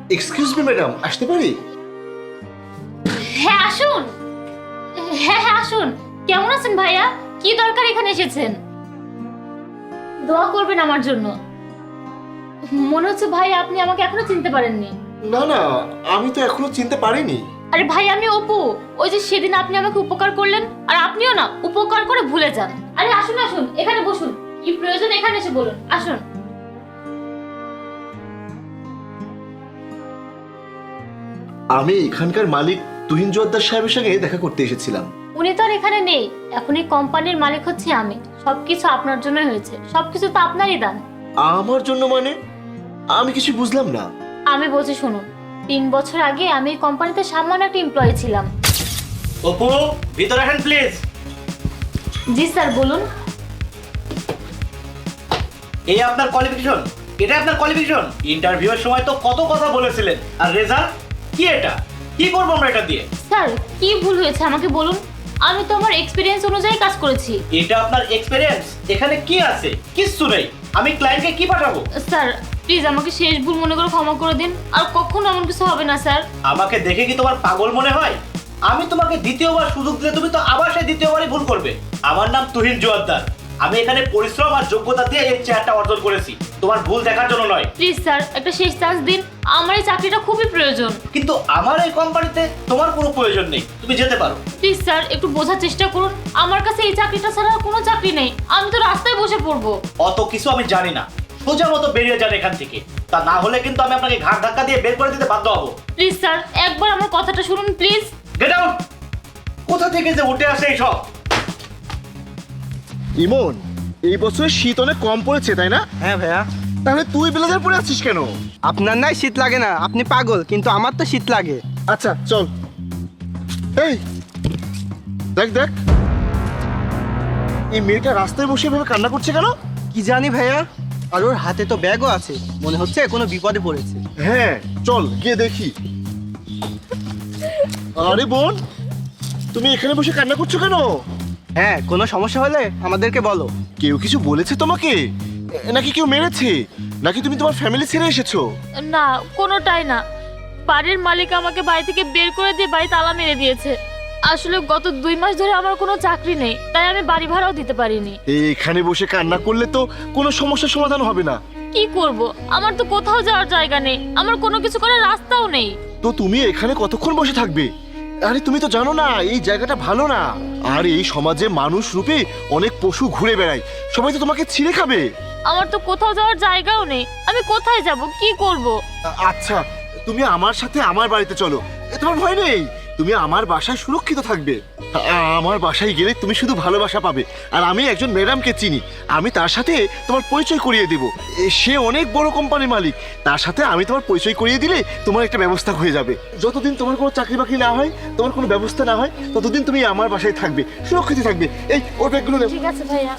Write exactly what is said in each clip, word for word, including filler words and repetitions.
Excuse me madam, আসতে পারি? হ্যাঁ আসুন। হ্যাঁ হ্যাঁ আসুন। কেমন আছেন ভাইয়া? কি দরকার এখানে এসেছেন? দোয়া করবেন আমার জন্য। মনে হচ্ছে ভাই আপনি আমাকে এখনো চিনতে পারেননি। না না, আমি তো এখনো চিনতে পারিনি। আরে ভাই আমি অপু, ওই যে সেদিন আপনি আমাকে উপকার করলেন আর আপনিও না উপকার করে ভুলে যান। আরে আসুন আসুন, এখানে বসুন। কি প্রয়োজন এখানে এসে বলুন, আসুন। আমি এখানকার মালিক তুহিন জোয়ারদার সাহেবের সঙ্গে দেখা করতে এসেছিলাম। উনি তো আর এখানে নেই, এখন এই কোম্পানির মালিক হচ্ছে আমি। সবকিছু আপনার জন্যই হয়েছে, সবকিছু তো আপনারই দান। আমার জন্য মানে? আমি কিছু বুঝলাম না। আমি বলছি শুনুন, তিন বছর আগে আমি এই কোম্পানিতে সামান্য একটা এমপ্লয়ি ছিলাম। অপু, ভিতরে আসেন প্লিজ। জি স্যার বলুন। এই আপনার কোয়ালিফিকেশন? এটা আপনার কোয়ালিফিকেশন? ইন্টারভিউয়ের সময় তো কত কথা বলেছিলেন, আর রেজাল্ট কি? এটা কি করবো আমরা এটা দিয়ে? স্যার কি ভুল হয়েছে আমাকে বলুন, আমি তো আমার এক্সপিরিয়েন্স অনুযায়ী কাজ করেছি। এটা আপনার এক্সপেরিয়েন্স? এখানে কি আছে? কিচ্ছু নেই। আমি ক্লায়েন্টকে কি পাঠাবো? স্যার প্লিজ আমাকে শেষ ভুল মনে করে ক্ষমা করে দিন, আর কখনো এমন কিছু হবে না স্যার। আমাকে দেখে কি তোমার পাগল মনে হয়? আমি তোমাকে দ্বিতীয়বার সুযোগ দিলে তুমি তো আবার সেই দ্বিতীয়বারই ভুল করবে। আমার নাম তুহিন জোয়ারদার। আমি এখানে পরিশ্রম আর যোগ্যতা দিয়ে এই চেয়ারটা অর্জন করেছি, তোমার ভুল দেখার জন্য নয়। প্লিজ স্যার একটা শেষ চান্স দিন, আমার এই চাকরিটা খুবই প্রয়োজন। কিন্তু আমার এই কোম্পানিতে তোমার কোনো প্রয়োজন নেই, তুমি যেতে পারো। প্লিজ স্যার একটু বোঝার চেষ্টা করুন, আমার কাছে এই চাকরিটা ছাড়া আর কোনো চাকরি নেই, আমি তো রাস্তায় বসে পড়বো। অত কিছু আমি জানি না, সোজা মতো বেরিয়ে যান এখান থেকে। তা না হলে কিন্তু আমি আপনাকে ঘাট ধাক্কা দিয়ে বের করে দিতে বাধ্য হবো। প্লিজ স্যার একবার আমার কথাটা শুনুন প্লিজ। Get out! কোথা থেকে যে উঠে আসে এই সব? ইমন, এই বছর শীত অনেক কম পড়েছে তাই না? হ্যাঁ ভাইয়া। তাহলে তুই ব্লেজার পরে আছিস কেন? আপনার নাই শীত লাগে না, আপনি পাগল, কিন্তু আমার তো শীত লাগে। আচ্ছা চল। এই দেখ দেখ, এই মেয়েটা রাস্তায় বসে এভাবে কান্না করছে কেন? কি জানি ভাইয়া, আর ওর হাতে তো ব্যাগও আছে, মনে হচ্ছে কোনো বিপদে পড়েছে। হ্যাঁ চল গিয়ে দেখি। আরে বোন, তুমি এখানে বসে কান্না করছো কেন? হ্যাঁ, কোনো সমস্যা হলে আমাদেরকে বলো। কেউ কিছু বলেছে তোমাকে? এ, নাকি কেউ মেরেছে? নাকি তুমি তোমার ফ্যামিলি ছেড়ে এসেছো? না কোনোটাই না, বাড়ির মালিক আমাকে বাড়ি থেকে বের করে দিয়ে বাড়ি তালা মেরে দিয়েছে। আসলে গত দুই মাস ধরে আমার কোনো চাকরি নেই, তাই আমি বাড়ি ভাড়াও দিতে পারিনি। এখানে বসে কান্না করলে তো কোনো সমস্যার সমাধান হবে না। কি করব, আমার তো কোথাও যাওয়ার জায়গা নেই, আমার কোনো কিছু করার রাস্তাও নেই। তো তুমি এখানে কতক্ষণ বসে থাকবে? আরে তুমি তো জানো না এই জায়গাটা ভালো না। আর এই সমাজে মানুষ রূপে অনেক পশু ঘুরে বেড়ায়, সবাই তো তোমাকে ছিঁড়ে খাবে। আমার তো কোথাও যাওয়ার জায়গাও নেই, আমি কোথায় যাব, কি করব? আ- আচ্ছা তুমি আমার সাথে আমার বাড়িতে চলো, এ, তোমার ভয় নেই, তুমি আমার বাসায় সুরক্ষিত থাকবে। আ- আমার বাসায় গেলে তুমি শুধু ভালোবাসা পাবে। আর আমি একজন ম্যাডামকে চিনি, আমি তার সাথে তোমার পরিচয় করিয়ে দেব। এ, সে অনেক বড় কোম্পানির মালিক, তার সাথে আমি তোমার পরিচয় করিয়ে দিলে তোমার একটা ব্যবস্থা হয়ে যাবে। যতদিন তোমার কোনো চাকরি বাকরি না হয়, তোমার কোনো ব্যবস্থা না হয়, ততদিন তুমি আমার বাসায় থাকবে, সুরক্ষিত থাকবে। এই ওর ব্যাগগুলো নেব। ঠিক আছে ভাইয়া।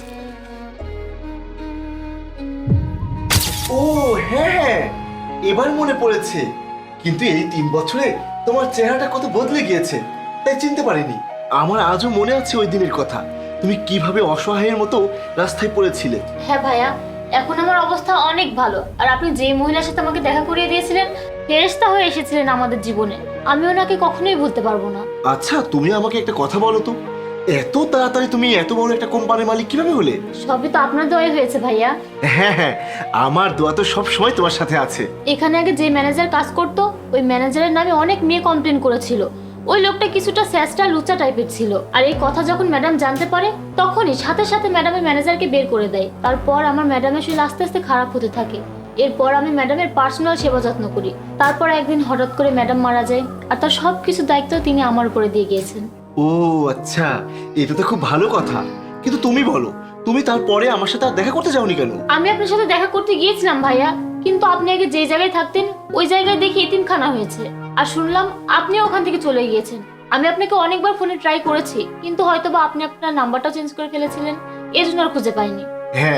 ও হ্যাঁ, এবার মনে পড়েছে। কিন্তু এই তিন বছরে তোমার চেহারাটা কত বদলে গিয়েছে, তাই চিনতে পারিনি। আমার আজও মনে আছে ওই দিনের কথা, তুমি কিভাবে অসহায়ের মতো রাস্তায় পড়েছিলে। হ্যাঁ ভাইয়া, এখন আমার অবস্থা অনেক ভালো। আর আপনি যে মহিলার সাথে আমাকে দেখা করিয়ে দিয়েছিলেন, ফেরেশতা হয়ে এসেছিলেন আমাদের জীবনে, আমি ওনাকে কখনোই ভুলতে পারবো না। আচ্ছা তুমি আমাকে একটা কথা বলো তো, এত তাড়াতাড়ি তুমি এত বড় একটা কোম্পানির মালিক কিভাবে হলে? সবই তো আপনার দয়ায় হয়েছে ভাইয়া। হ্যাঁ হ্যাঁ, আমার দোয়া তো সব সময় তোমার সাথে আছে। এখানে আগে যে ম্যানেজার কাজ করতো, ওই ম্যানেজারের নামে অনেক মেয়ে কমপ্লেন করেছিল। ওই লোকটা কিছুটা স্যাস্টা লুচা টাইপের ছিল। আর এই কথা যখন ম্যাডাম জানতে পারে, তখনই সাথে সাথে ম্যাডামের ম্যানেজারকে বের করে দেয়। তারপর আমার ম্যাডামের শরীর আস্তে আস্তে খারাপ হতে থাকে। এরপর আমি ম্যাডামের পার্সোনাল সেবা যত্ন করি। তারপর একদিন হঠাৎ করে ম্যাডাম মারা যায়, আর তার সব কিছু দায়িত্ব তিনি আমার উপরে দিয়ে গিয়েছেন। ও আচ্ছা, এটা তো খুব ভালো কথা। কিন্তু তুমি বলো, তুমি তারপরে আমার সাথে আর দেখা করতে যাওনি কেন? আমি আপনার সাথে দেখা করতে গিয়েছিলাম ভাইয়া, কিন্তু আপনি আগে যে জায়গায় থাকতেন ওই জায়গায় দেখি এতিমখানা হয়েছে। আর শুনলাম আপনি ওখান থেকে চলে গিয়েছেন। আমি আপনাকে অনেকবার ফোনে ট্রাই করেছি, কিন্তু হয়তোবা আপনি আপনার নাম্বারটা চেঞ্জ করে ফেলেছিলেন, এই জন্য আর খুঁজে পাইনি। হ্যাঁ,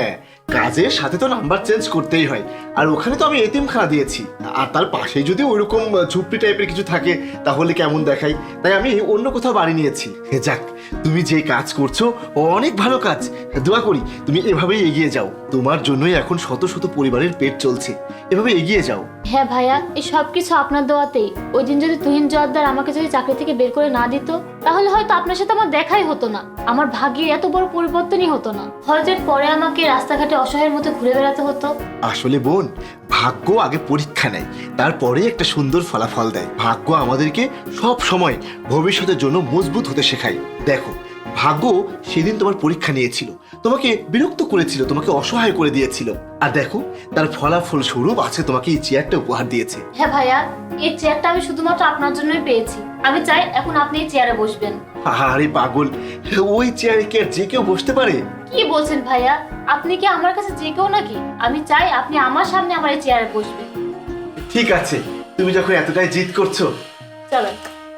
কাজের সাথে তো নাম্বার চেঞ্জ করতেই হয়, আর ওখানে তো আমি এতিমখানা দিয়েছি, আর তার পাশেই যদি ওইরকম ঝুপড়ি টাইপের কিছু থাকে তাহলে কেমন দেখাই, তাই আমি অন্য কোথাও বাড়ি নিয়েছি। যাক, তুমি যে কাজ করছো অনেক ভালো কাজ, দোয়া করি তুমি এভাবেই এগিয়ে যাও। তোমার জন্যই এখন শত শত পরিবারের পেট চলছে, এভাবে এগিয়ে যাও। হ্যাঁ ভাইয়া, এই সব কিছু আপনার দোয়াতেই। ওই দিন যদি তুহিন জোয়ারদার আমাকে যদি চাকরি থেকে বের করে না দিত, তাহলে হয়তো আপনার সাথে আমার দেখাই হতো না, আমার ভাগ্যে এত বড় পরিবর্তনই হতো না। হয়তো এর পরে আমাকে রাস্তাঘাটে অসহায়ের মতো ঘুরে বেড়াতে হতো। আসলে বোন, ভাগ্য আগে পরীক্ষা নেয়, তারপরে একটা সুন্দর ফলাফল দেয়। ভাগ্য আমাদেরকে সব সময় ভবিষ্যতের জন্য মজবুত হতে শেখায়। দেখো, ভাগ্য সেদিন তোমার পরীক্ষা নিয়েছিল, তোমাকে বিরক্ত করেছিল, তোমাকে অসহায় করে দিয়েছিল, আর দেখো তার ফলাফল স্বরূপ আছে তোমাকে এই চেয়ারটা উপহার দিয়েছে। হ্যাঁ ভাইয়া, এই চেয়ারটা আমি শুধুমাত্র আপনার জন্যই পেয়েছি। আমি চাই এখন আপনি এই চেয়ারে বসবেন। আরে পাগল, ওই চেয়ারে কি আর যে কেউ বসতে পারে? কি বলছেন ভাইয়া, আপনি কি আমার কাছে যে কেউ নাকি? আমি চাই আপনি আমার সামনে আমার এই চেয়ারে বসবেন। ঠিক আছে, তুমি যখন এতটাই জিদ করছো, চলেন।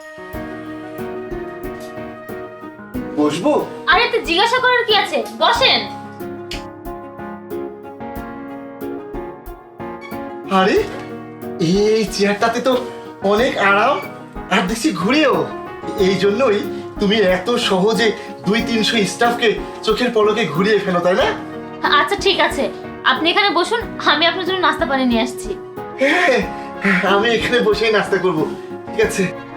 বসবো? আরে তো জিজ্ঞাসা করার কি আছে, বসেন। আরে এই চেয়ারটাতে তো অনেক আরাম, আর দেখছি ঘুরেও। এই জন্যই তুমি এত সহজে দুই তিনশো স্টাফকে চোখের পলকে ঘুরিয়ে ফেলো, তাই না? আচ্ছা ঠিক আছে, আপনি এখানে বসুন, আমি আপনার জন্য নাস্তা পানি নিয়ে আসছি। হ্যাঁ, আমি এখানে বসেই নাস্তা করব। ঠিক আছে।